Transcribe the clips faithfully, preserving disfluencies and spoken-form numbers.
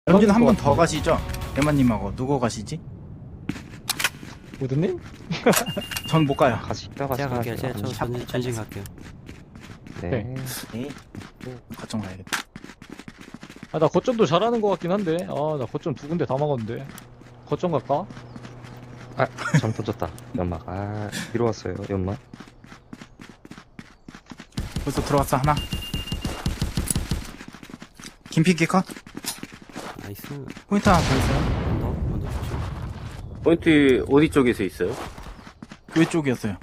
여기는 한 번 더 가시죠? 대만님하고 누구 가시지? 우드님? 전 못 가요. 같이 따가 제가 갈게요. 제가 저 샵 전진, 전진 갈게요. 네. 네. 거점 가야겠다. 아, 나 거점도 잘하는 것 같긴 한데. 아, 나 거점 두 군데 다 막았는데. 거점 갈까? 아, 점 터졌다. 연막. 아, 뒤로 왔어요. 연막. 벌써 들어왔어 하나. 김피키 컷. 나이스. 포인트 하나 더 있어요. 언더, 언더 조심. 포인트 어디 쪽에서 있어요? 교회 쪽이었어요.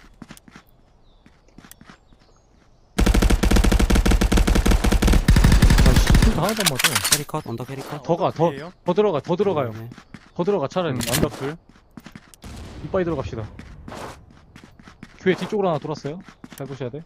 아, 씨, 진짜 하나도 안 맞아. 캐리 컷, 언더 캐리 컷. 더 가, 더, 더 들어가, 더 들어가요. 네. 더 들어가, 차라리. 완벽들. 이빠이 들어갑시다. 교회 뒤쪽으로 하나 돌았어요. 잘 보셔야 돼.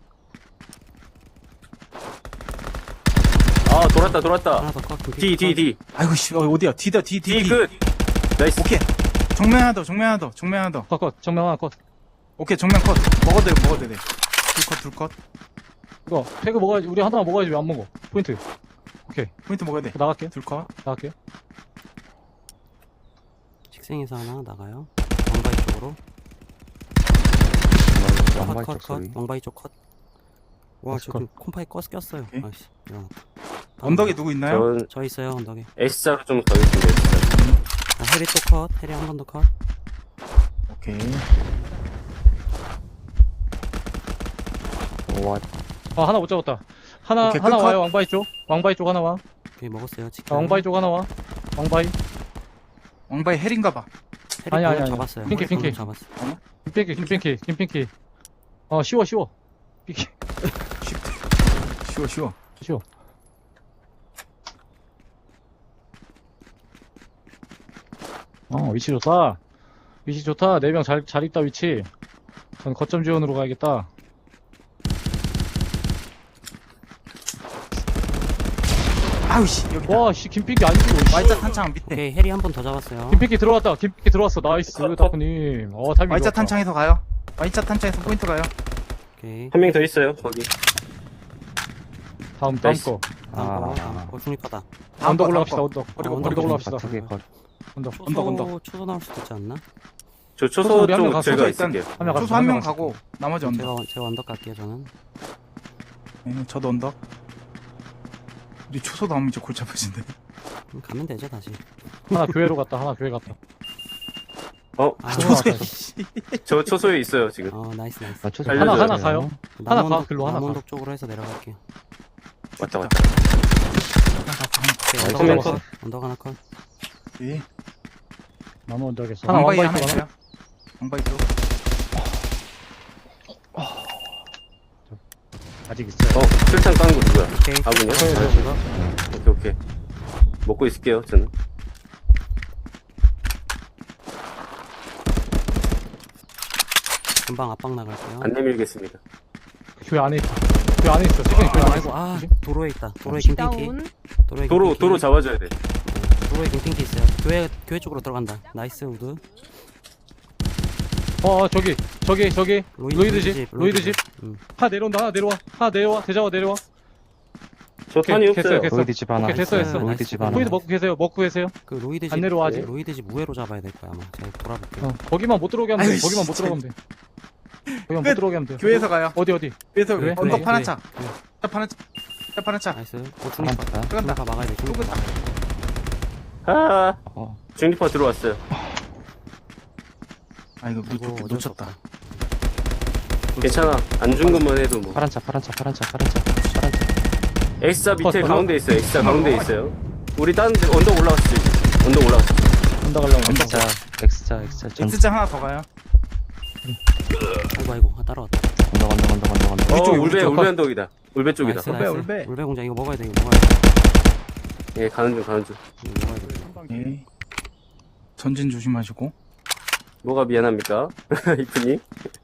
아 돌았다 돌았다. 하나 더 컷. 그 D D D 아이고 씨, 어, 어디야? D다 D D. D 끝. 나이스. 오케이. 정면 하나 더, 정면 하나 더, 정면 하나 더. 컷, 컷. 정면 하나 컷. 오케이, 정면 컷. 먹어도 돼, 먹어도 돼. 둘 컷, 둘 컷. 이거, 태그 먹어야지. 우리 하나 먹어야지. 왜 안 먹어? 포인트. 오케이. 포인트 먹어야 돼. 나갈게. 둘 컷. 나갈게. 식생에서 하나 나가요. 왕바이 쪽으로. 연막 컷, 쪽 컷, 컷. 소리. 왕바이 쪽 컷. 와, 나이스 지금 콤파이 껐, 꼈어요. 오케이. 아이씨. 야. 언덕에 누구 있나요? 전 저 있어요, 언덕에. S자로 좀 가겠습니다. S자. 아, 해리 또 컷. 해리 한 번 더 컷. 오케이. 와, 아, 하나 못 잡았다. 하나, 오케이, 하나 끝, 와요. 왕바이 쪽. 왕바이 쪽 하나 와. 오케이, 먹었어요. 아, 치킨. 왕바이 쪽 하나 와. 왕바이. 왕바이 헬인가봐. 해리 아니, 아니, 방금 아니. 잡았어요. 핑키, 방금 핑키. 잡았어. 김핑키, 김핑키, 김핑키. 어, 쉬워, 쉬워. 핑키. 쉬워, 쉬워. 쉬워. 어, 위치 좋다. 위치 좋다. 네 명 잘, 잘 있다, 위치. 전 거점 지원으로 가야겠다. 아우 씨, 여기다. 와, 씨, 김핑키 아니지, 씨. Y자 탄창 밑에. 오케이, 해리 한 번 더 잡았어요. 김핑키 들어왔다. 김핑키 들어왔어. 나이스, 다크님. 어, 타이밍 Y자 좋았다. 탄창에서 가요. Y자 탄창에서 포인트 가요. 오케이. 한 명 더 있어요 거기. 다음, 다음 나이스. 거. 다음 거. 아. 어, 중립하다. 다음 언덕 거, 올라갑시다, 다음 언덕. 그리고 어, 언덕 언덕 올라갑시다. 두 개 컷. 언덕. 초소, 언덕, 언덕. 초소 나올 수도 있지 않나? 저 초소 초소 우리 한명 쪽 가서 제가 초소 일단 있을게요. 한명 초소 한 명 가고 나머지 언덕. 제가, 제가 언덕 갈게요, 저는. 네, 저도 언덕. 우리 초소 나오면 이제 골치 아프신데. 그럼 가면 되죠, 다시. 하나 교회로 갔다, 하나 교회 갔다. 어, 아, 초소에. 저 초소에 있어요 지금. 어, 나이스, 나이스. 아, 초소 하나, 살려줘야 하나 돼요. 가요. 하나 가, 남원동, 글로 하나 가. 남원동 쪽으로 해서 내려갈게요. 왔다 왔다. 오케이, 나이스, 언덕 하나 나이스. 컷. 언덕 하나 컷. 예. 나무 언덕에서. 하나 하나 왕바이 왕바이 하나 쪽 하나. 있어요. 왕바이 쪽. 아직 있어요. 어, 출창 깐 거 누구야? 오케이. 아군이요? 컷, 네, 이거. 오케이 오케이. 먹고 있을게요 저는. 금방 압박 나갈게요. 안 내밀겠습니다. 교회 안에 있어. 교회 안에 있어. 지금 교회 안에 아이고, 있어. 아, 도로에 있다. 도로에 혹시 김핑키. 다운? 도로에 도로 김핑키. 도로 잡아줘야 돼. 도로에 김핑키 있어요. 교회, 교회 쪽으로 들어간다. 나이스, 우드. 어, 어, 저기, 저기, 저기. 로이드 집, 로이드 집. 음. 하나 내려온다, 하나 내려와. 하나 내려와. 대자와 내려와. 저 오케이, 탄이 됐어요, 없어요. 됐어요. 로이드 집 하나. 오케이, 됐어, 됐어. 로이드 집 하나. 포인트 먹고 계세요, 먹고 계세요. 그 로이드 집. 안 내려와, 아직? 로이드 집 우회로 잡아야 될 거야, 아마. 제가 돌아볼게요. 어, 거기만 못 들어오게 하면 돼. 아유, 거기만 못 씨, 들어가면 돼. 거기만 못 끝. 들어오게 하면 돼. 교회에서 가요. 어디, 어디? 교회에서 교회? 언덕 교회, 파란 교회. 차. 교회. 차 파란 차. 차 파란 차. 나이스. 어, 하나 중립파. 다. 중립파 막아야 돼, 중립파. 끄다. 아, 어, 중립파 들어왔어요. 아 이거 이거 놓, 어쩔 수 놓쳤다. 괜찮아. 안 준 것만 해도 뭐. 파란 차, 파란 차, 파란 차, 파란 차, 파란 차. X자 밑에 어, 가운데 있어요. X자 잠깐만, 가운데 어, 있어요. 우리 다른 데 언덕 올라갔을 때. 언덕 올라갔을 때. 언덕 가려면 언덕. X자, X자, X자, 전, X자 하나 더 가요. 아이고, 아이고. 아, 따라왔다. 언덕, 언덕, 언덕, 언덕, 언덕. 어, 우리 쪽에, 우리 울베 쪽. 울베 언덕이다. 울베 쪽이다. 나이스, 울베, 나이스. 울베. 울베 공장 이거 먹어야 돼, 이거 먹어야 돼. 예, 가는 중 가는 중. 이거 먹어야 돼. 예. 전진 조심하시고. 뭐가 미안합니까? 이프님.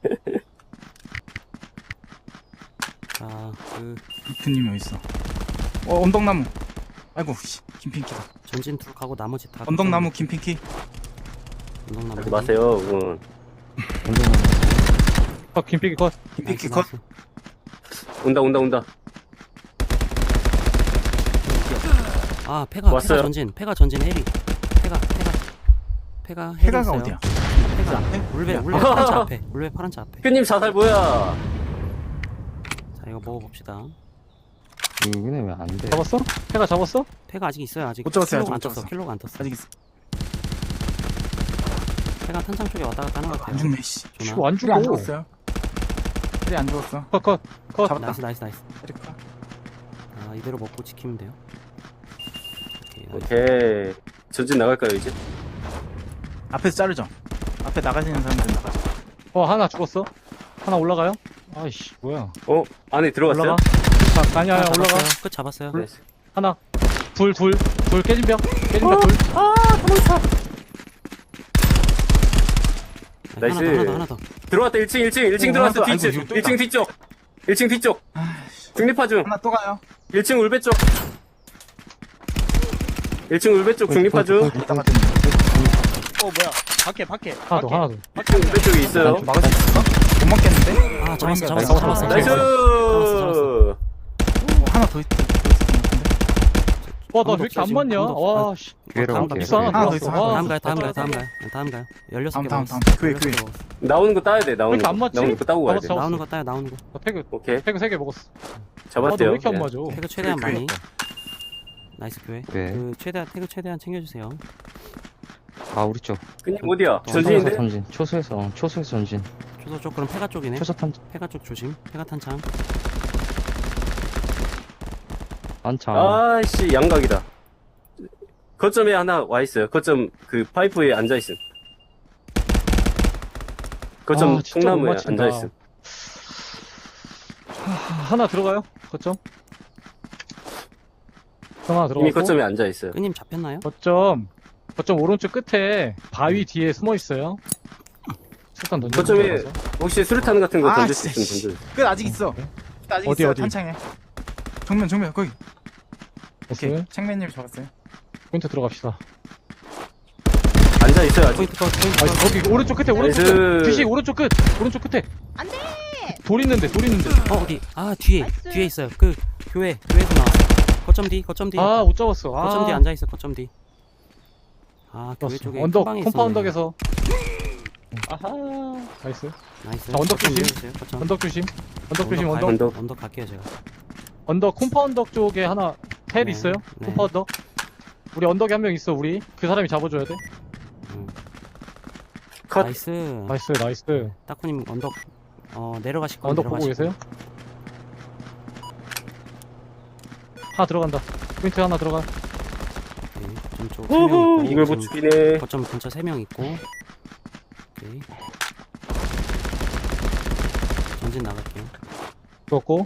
자, 그, 이프님이 어디 있어? 어 언덕나무. 아이고 씨, 김핑키다. 전진 둘 가고 나머지 다. 언덕나무 김핑키. 언덕나무. 하지 마세요. 응. 언덕 넘어. 어, 김피기 컷. 김핑키 나이스, 컷. 나이스. 온다 온다 온다. 아, 아 페가 왔어요. 페가 전진 페가 전진 헤리 페가 페가 페가 헤리 해가가 있어요. 어디야? 페가 앞에? 울베 야. 울베 파란 차 앞에 울베 파란 차 앞에. 큐님 자살 뭐야? 자 이거 먹어봅시다. 여기는 왜 안 돼? 잡았어? 페가 잡았어? 페가 아직 있어요. 아직 못 잡았어요, 킬로가 안 아직 못 떴어. 잡았어. 킬로가 안 떴어. 아직 있어. 페가 탄창 쪽에 왔다 갔다 하는 것 안 같아요. 죽네, 씨. 조나. 이거 안 우리 안 죽어. 죽었어요. 우리 안 죽었어. 컷, 컷, 컷. 잡았다. 나이스 나이스 나이스. 에리카. 아 이대로 먹고 지키면 돼요. 오케이, 나이스. 오케이. 전진 나갈까요 이제? 앞에서 자르죠. 앞에 나가시는 사람들 나가죠. 어, 하나 죽었어. 하나 올라가요? 아이씨, 뭐야. 어 안에 들어갔어요? 올라가. 자, 아니야, 아니야, 하나 올라가. 잡았어요. 끝 잡았어요. 네. 하나. 둘, 둘. 둘 깨진 벽. 깨진 벽 둘. 네, 나이스. 하나 더 하나 더 하나 더. 들어왔다 일 층 일 층 일 층 오, 들어왔어 하나 더. 뒤쪽 아이고, 이거 또 일 층 있다. 뒤쪽 일 층 뒤쪽 중립파 중 하나 또 가요. 일 층 울배 쪽 일 층 울배 쪽 중립파 중 이따가 좀 어 뭐야 밖에 밖에 하나 더, 하나 더. 일 층 울배 쪽에 있어요 막을 수 있을까? 못 막겠는데? 아 잡았어 나이스. 잡았어 잡았어. 나이스 잡았어, 어, 하나 더 있, 더 있을 것 같은데? 와, 나 왜 언덕 이렇게 안 지금 맞냐? 언덕. 와, 씨. 기회로 다음 갈게요. 믹스 하나 하나 더 들어왔어. 있어, 와. 다음 가요 다음 가요 다음 가요 다음 가요. 열여섯 개 다음, 먹었어. 다음, 다음. 교회, 열여섯 개 교회. 먹었어. 나오는 거 따야 돼 나오는 이렇게 거 안 맞지? 나오는 거 따고 가야 돼 잡았어. 나오는 거 따요 나오는 거. 나 패그, 오케이 패그 세 개 먹었어. 아, 너 잡았대요 왜 이렇게 안 예. 맞아? 태그 최대한 교회, 많이. 교회. 나이스 교회. 네. 그 최대한 태그 최대한 챙겨주세요. 아, 우리 쪽. 끈님 어디야 또 초소에서 전진인데? 전진. 초소에서, 어, 초소에서 전진. 초소 쪽 그럼 페가 쪽이네. 초소 탄, 페가 쪽 조심. 페가 탄창. 안창. 아씨 양각이다 거점에 하나 와 있어요 거점 그 파이프에 앉아 있음 거점 아, 진짜 못 통나무에 맞힌다. 앉아 있음 하나 들어가요? 거점. 하나 들어가고. 이미 거점에 앉아 있어요 끄님 잡혔나요? 거점. 거점 오른쪽 끝에 바위 뒤에 숨어 있어요. 일단 던져. 거점에 혹시 수류탄 같은 거 아, 던질 수 진짜, 있으면 던져 끝 아직 있어. 끝 아직 어디, 있어. 어디? 탄창에. 정면, 정면, 거기. 오케이. 오케이. 창맨님 잡았어요. 포인트 들어갑시다. 앉아 있어요 아직 포인트 컷 포인트 아, 컷. 거기 오른쪽 끝에 오른쪽 나이스. 끝. 뒤시 오른쪽 끝. 오른쪽 끝에. 안돼. 돌 있는데 돌 있는데. 어 어디? 아 뒤에 나이스. 뒤에 있어요. 그 교회 교회에서 나왔어. 거점 뒤 거점 뒤. 아, 못 잡았어. 아. 거점 뒤 앉아 있어. 거점 뒤. 아 교회 잡았어. 쪽에 언덕 큰 방에 컴파운덕에서. 아하. 나이스. 있었네. 나이스. 자, 언덕 거점 조심. 내려주세요, 거점. 언덕 조심. 언덕 조심. 가요. 언덕. 언덕. 언덕 갈게요 제가. 언덕 콤파운덕 쪽에 하나 탭 네, 있어요. 네. 콤파운덕. 우리 언덕에 한 명 있어. 우리 그 사람이 잡아줘야 돼. 음. 컷. 나이스. 나이스 나이스. 따쿠님 언덕 어 내려가실 거 언덕 보고 계세요? 하나 들어간다. 포인트 하나 들어가. 오케이. 거점 쪽 우후, 세 명 있고. 이걸 못 지금 죽이네 거점 근처 세 명 있고. 오케이. 전진 나갈게요. 죽었고.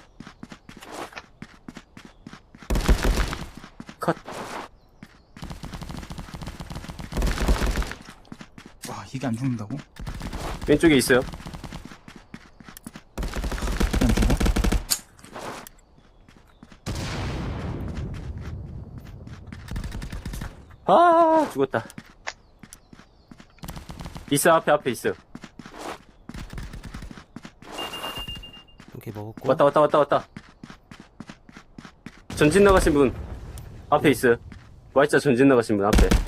와, 이게 안 죽는다고? 왼쪽에 있어요 이게 안 죽어? 아 죽었다 있어 앞에 앞에 있어 오케이 먹었고. 왔다 왔다 왔다 왔다 전진 나가신 분 앞에 있어요 Y자 전진 나가신 분 앞에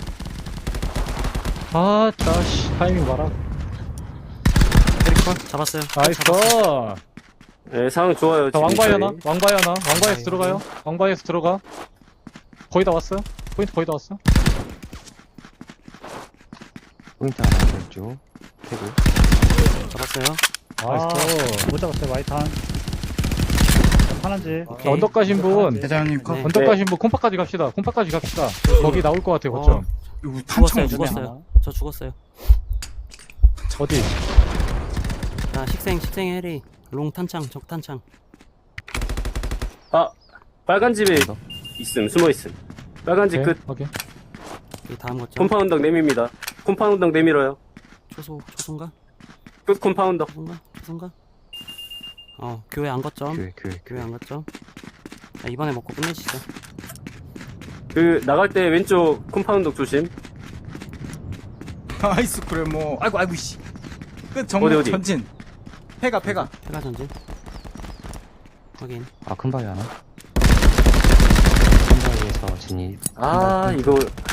아, 짜씨. 타이밍 봐라. 잡았어요. 나이스. 네 상황 좋아요 자, 지금 왕바이 저희. 하나. 왕바이 하나. 왕바이에서 왕바이 들어가요. 왕바이에서 들어가. 거의 다 왔어요. 포인트 거의 다 왔어. 포인트 하나 왼쪽. 캐고. 잡았어요. 나이스. 못 잡았어요 와이탄 하나인지 오케이. 언덕 가신 분. 대장님 컷. 네. 언덕 네. 가신 분 콤파까지 갑시다. 콤파까지 갑시다. 거기 나올 것 같아요. 거점. 이거 죽었어요. 탄창 죽었어. 죽었어요. 저 죽었어요. 어디? 자 식생 식생 해리 롱 탄창 적 탄창. 아 빨간 집에 있음 숨어 있음 빨간 집 오케이. 끝 오케이. 이 다음 거점. 콤파운덕 내밉니다 콤파운덕 내밀어요 초소 초소인가? 끝 콤파운덕 초소인가? 초소인가? 어 교회 안 걷점. 교회, 교회, 교회 교회. 안 걷점. 자, 이번에 먹고 끝내시죠. 그 나갈 때 왼쪽 콤파운덕 조심 아이스 그래 뭐. 아이고 아이고 씨. 끝 정면 어디, 어디? 전진. 패가 패가. 페가 전진. 확인. 아, 큰 바위 하나. 큰 바위에서 진입. 아, 이거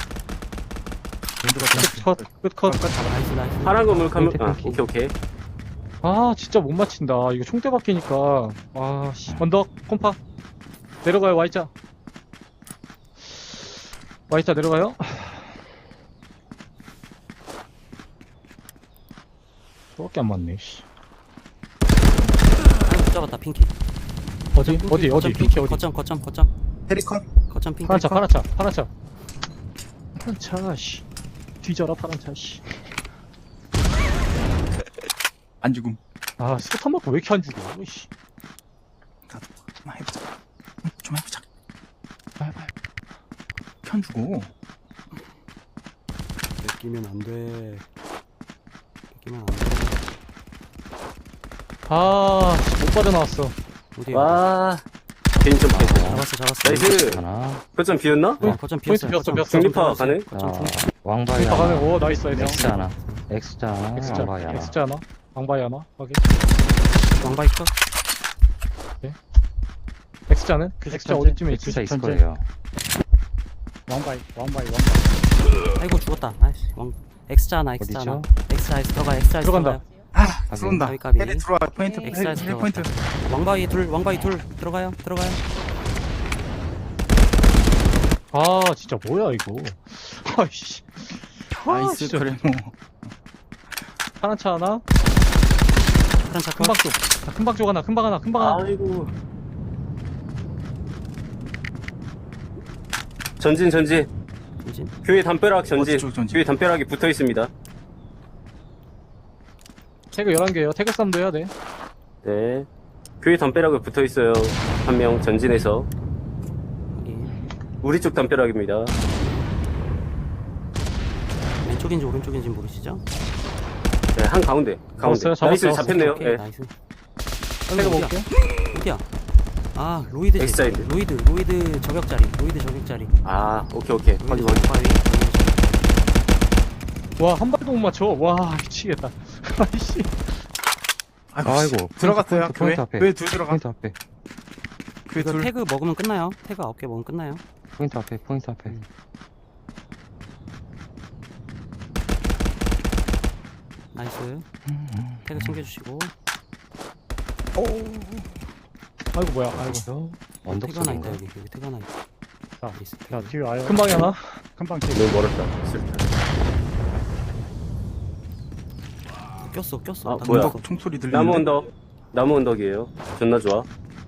컷, 끝, 컷. 나이스 나이스. 파란 건물 카메, 아, 핑크. 오케이, 오케이. 아, 진짜 못 맞힌다. 이거 총대 바뀌니까. 아, 씨. 언덕, 콤파. 내려가요, Y자. Y자 내려가요. 저밖에 안 맞네, 씨. 하나 못 잡았다 핑키. 어디, 어디, 어디, 핑키 어디. 거점 거점 거점 페리컨. 거점 핑키. 파란 차, 파란 차, 파란 차. 파란 차, 씨. 뒤져라, 파란 차, 씨. 안 죽음. 아, 스포탄 맞고 왜 이렇게 안 죽어, 씨. 나도 한번 해보자. 응, 좀 해보자. 편 주고. 뺏기면 안 돼. 뺏기면 안 돼. 아, 씨, 못 빠져나왔어. 어디야? 와, 개인 좀 피했다. 잡았어 잡았어. 나이스. 하나. 거점 비었나? 어, 거점 포인트 비었어요. 비었어, 거점. 비었어. 중립파 가네? 거점 자, 중립파. 왕바이 여기 가면, 하나. 오, 나이스, 나이스. X 하나. X 하나. X자, 왕바이 하나. X자 하나. 왕바이 하나. 확인. 왕바이 컷. X자는? X자 어디쯤에 있지? X자 있을 전체. 거예요. 왕바이, 왕바이, 왕바이. 아이고 죽었다. 아이씨. 왕. X자 하나 X자 하나. X자 X 들어가 X자 X 들어간다. 들어가요. 아, 들어온다. 까비, 까비. 페리 들어와. 포인트. 네, 페리, 엑사이즈 페리 포인트. 왕바이 둘 왕바이 둘 들어가요 들어가요. 아, 진짜 뭐야, 이거. 아이씨. 아, 나이스 진짜. 그래 뭐. 파란 차 하나. 일단 자 큰방 쪽. 자, 큰방 쪽 하나, 큰방 하나, 큰방 하나. 아이고. 전진, 전진. 전진. 교회 담벼락 전진. 어디 쪽 전진? 교회 담벼락이 붙어 있습니다. 태그 열한 개요. 태그 쌈도 해야 돼. 네. 교회 담벼락에 붙어 있어요. 한 명 전진해서. 여기 우리 쪽 담벼락입니다. 왼쪽인지 오른쪽인지 모르시죠? 네, 한 가운데. 가운데. 잡았어요, 잡았어요. 나이스, 잡혔네요. 오케이, 네. 나이스. 태그 어디야? 먹을게. 어디야? 아 로이드 엑사이드. 로이드 로이드 저격자리 로이드 저격자리. 아, 오케이, 오케이. 로이드 확인, 확인. 저격바위. 와, 한 발도 못 맞춰. 와, 미치겠다. 아이씨. 아이고. 들어갔어요. 포인트, 교회. 포인트 앞에. 교회 둘 들어가. 포인트 앞에. 교회 이거 둘. 태그 먹으면 끝나요. 태그 아홉 개 먹으면 끝나요. 포인트 앞에. 포인트 앞에. 음. 나이스. 태그 챙겨주시고. 아이고, 뭐야. 아이고. 언덕 태그 하나 있다 쪽인가? 여기 여기 태그 하나 있다. 자, 나이스. 자, 뒤에 와요. 큰방이 하나. 금방 뒤에. 너무 멀었다. 슬프다. 꼈어 꼈어. 아, 나 뭐야. 꼈어. 언덕 총소리 들리는데. 나무 언덕. 나무 언덕이에요. 존나 좋아.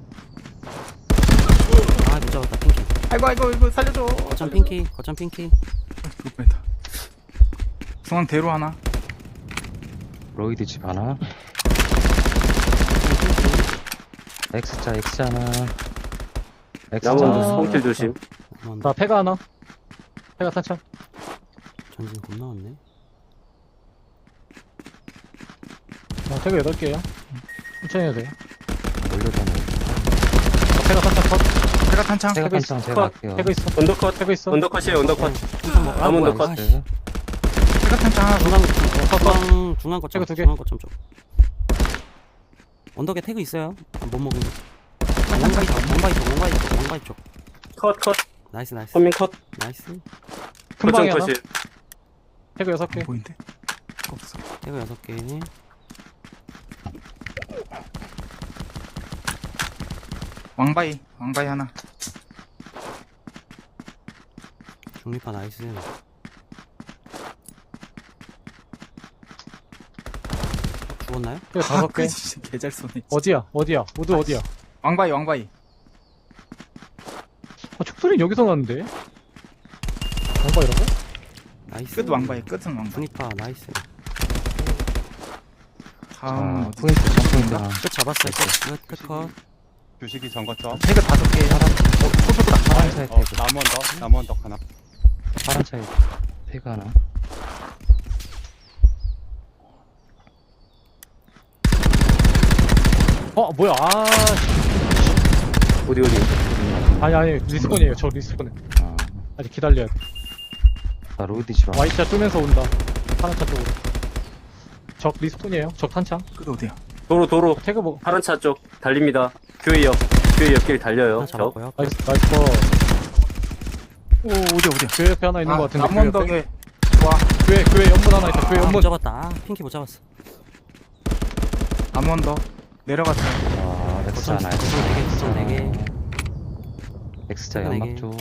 아 못 잡았다 핑키. 아이고 아이고 이거 살려줘. 거점 핑키 거점 핑키. 그럴 뻔했다. 중앙 대로 하나. 로이드 집 하나. X자 X 하나. X자 나무 언덕 아, 스폰킬 조심. 한번 자, 패가 하나. 패가 탄창. 전진 겁 나왔네. 자, 태그 여덟 개요. 천천히 해야 돼요. 올려다녀. 자, 패가 탄창 컷. 제가 탄창. 제가 태그 있어. 탄창 제가 할게요. 태그 있어. 언더컷. 태그 있어. 언더컷이에요, 언더컷. 풍선 먹. 아 나무 뭐야. 언더컷. 아, 씨. 제가 탄창 하나. 중앙 중앙 중앙 거점 태그 두 개. 중앙 거점 쪽. 언덕에 태그 있어요. 아, 못 먹은 거. 아, 왕바이 쪽 왕바이 쪽 왕바이 쪽 왕바이 쪽. 컷, 컷. 나이스 나이스 선민 컷. 나이스. 큰방이 거점 하나. 컷이. 태그 여섯 개. 안 보인대? 없어. 태그 여섯 개. 왕바이. 왕바이 하나. 중립파 나이스. 죽었나요? 태그 다섯 개. 진짜 개잘 쏘네. 어디야? 어디야? 모두 어디야? 왕바이 왕바이. 아, 촉소리는 여기서 나는데? 뭔가 이런 거? 나이스. 끝 왕바이. 끝은 왕바이. 중립파 나이스. 다음 자, 어디? 포인트 전 포인트 하나. 끝 잡았어요. 끝, 끝, 끝, 컷. 주식이 전거점. 태그 다섯 개. 어, 초소보다. 파란 차에 어, 태그. 나무 언덕, 나무 언덕 하나. 파란 차에 태그 하나. 어, 뭐야? 아, 씨. 어디, 어디. 아니, 아니, 리스폰이에요. 저 리스폰에. 아, 아직 기다려야 돼. 나 로이드 집 하나. Y자 뜨면서 온다. 파란 차 쪽으로. 적 리스폰이에요. 적 탄창. 끝 어디야? 도로, 도로. 태그 먹어. 파란 차 쪽 달립니다. 교회 옆. 교회 옆길 달려요. 하나 저. 잡았고요. 나이스, 나이스 거. 오 어디 어디? 교회 옆에 하나 있는 아, 것 같은데. 남원 교회 옆에? 덕에 와 교회 교회 연문 하나 있다. 교회 아, 못 연문. 잡았다. 아, 핑키 못 잡았어. 남원 덕 내려갔어요. 아, 엑스자 거점, 하나, 거점 네 개, 거점 네 개. 엑스자 네 개. 연막 쪽.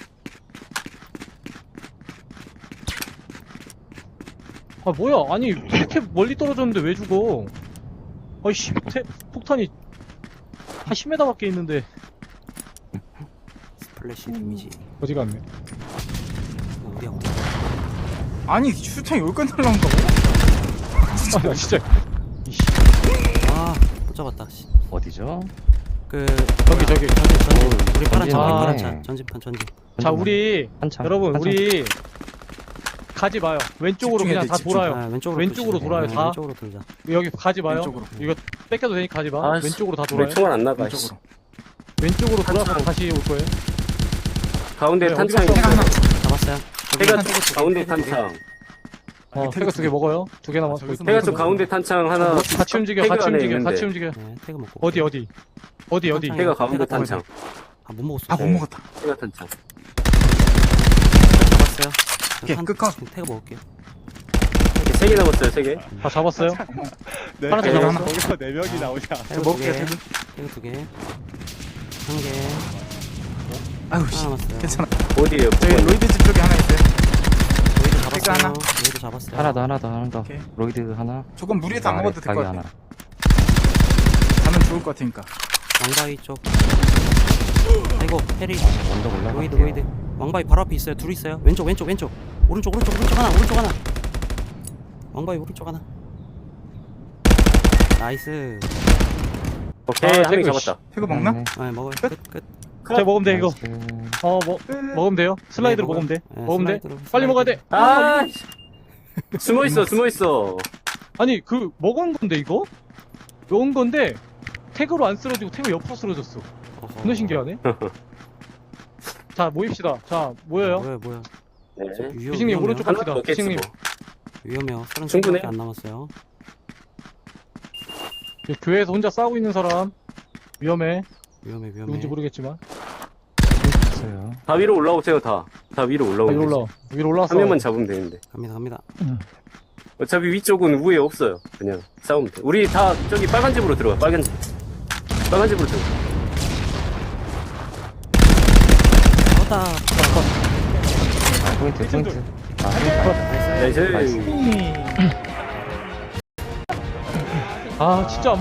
아 뭐야? 아니 이렇게 멀리 떨어졌는데 왜 죽어? 아이씨 태, 폭탄이 한 십 미터밖에 있는데 스플래시 데미지. 어디 갔네? 어, 어디야, 어디야. 아니 슈팅이 여기까지 날라온다고? 아 나 진짜 이씨 아, 못 잡았다. 씨. 어디죠? 그, 저기 저기 전진, 전진. 우리 파란 차, 우리 아. 파란 차. 전진판, 전진. 자 우리 한참. 여러분 한참. 우리 가지 마요. 왼쪽으로 집중해야 그냥 돼, 다 집중. 돌아요. 아, 왼쪽으로. 왼쪽으로 돌자. 돌아요, 네, 다. 왼쪽으로 돌자. 여기 가지 마요. 왼쪽으로. 이거 뺏겨도 되니 가지 마. 아, 씨. 왼쪽으로 다 왜 돌아요. 총알 안 나가? 씨. 왼쪽으로. 왼쪽으로 돌아서 한참. 다시 올 거예요. 가운데 네, 탄창이 어디가 있어요. 잡았어요. 해가 저기 쪽 가운데 탄창. 어, 태그 태그 두 두 개 먹어요. 두 개 남았어. 저기서 해가 먹어서 쪽 가운데 탄창 하나. 같이 움직여. 태그 같이 안에 움직여. 있는데. 같이 움직여. 네, 태그 먹고. 어디 어디 어디 어디. 탄창. 해가 가운데 태그 탄창. 아, 못 먹었어. 아 못 네. 먹었다. 해가 탄창. 잡았어요. 오케이, 한- 끝까. 태그 먹을게요. 세 개 남았어요, 세 개. 다 잡았어요. 네, 하나 더 거기서- 잡았나? 거기서 네 명이 나오냐. 태그 두 먹을게요 개. 태그. 태그 두 개. 한 개. 아유 씨 하나 남았어요. 괜찮아. 어디에요? 저기 로이드 집 쪽에 하나 있어요. 로이드 태그 잡았어요. 하나. 로이드 잡았어요. 하나 더, 하나 더, 하나 더. 오케이. 로이드 하나. 조금 무리해서 안 아래 먹어도 될 가게 것 하나. 같아. 가면 좋을 것 같으니까. 왕바위 쪽. 아이고, 해리. 언덕 올라가. 로이드, 로이드. 왕바위 바로 앞에 있어요. 둘 있어요. 왼쪽, 왼쪽, 왼쪽. 오른쪽, 오른쪽, 오른쪽 하나, 오른쪽 하나. 왕바위 오른쪽 하나. 나이스. 오케이, 아, 한 명 태그, 잡았다. 태그 먹나? 아, 먹어요. 끝, 끝. 자 먹으면 돼 이거. 나이스. 어 뭐 먹으면 돼요. 슬라이드로 네, 먹으면 돼. 네, 먹으면 돼. 슬라이드로, 빨리 먹어야 돼. 아, 숨어 있어, 숨어 있어. 아니 그 먹은 건데 이거? 먹은 건데 태그로 안 쓰러지고 태그 옆으로 쓰러졌어. 어허. 존나 신기하네. 자 모입시다. 자 모여요. 뭐야, 뭐야. 네. 위험, 피식님 위험해요. 오른쪽 갑시다. 하나 먹겠지 피식님 뭐. 위험해요. 서른 충분해. 안 남았어요. 교회에서 혼자 싸우고 있는 사람 위험해. 위험해, 위험해. 누군지 모르겠지만. 있어요. 다 위로 올라오세요, 다. 다 위로 아, 올라오세요. 위로 올라. 위로 올라왔어. 한 명만 잡으면 되는데. 갑니다, 갑니다. 어차피 위쪽은 우에 없어요. 그냥 싸우면 돼. 우리 다 저기 빨간 집으로 들어가. 빨간 집. 빨간 집으로 들어가. 잡았다. 아, 포인트, 포인트. 아, 포인트. 나이스. 나이스. 나이스. 아 진짜.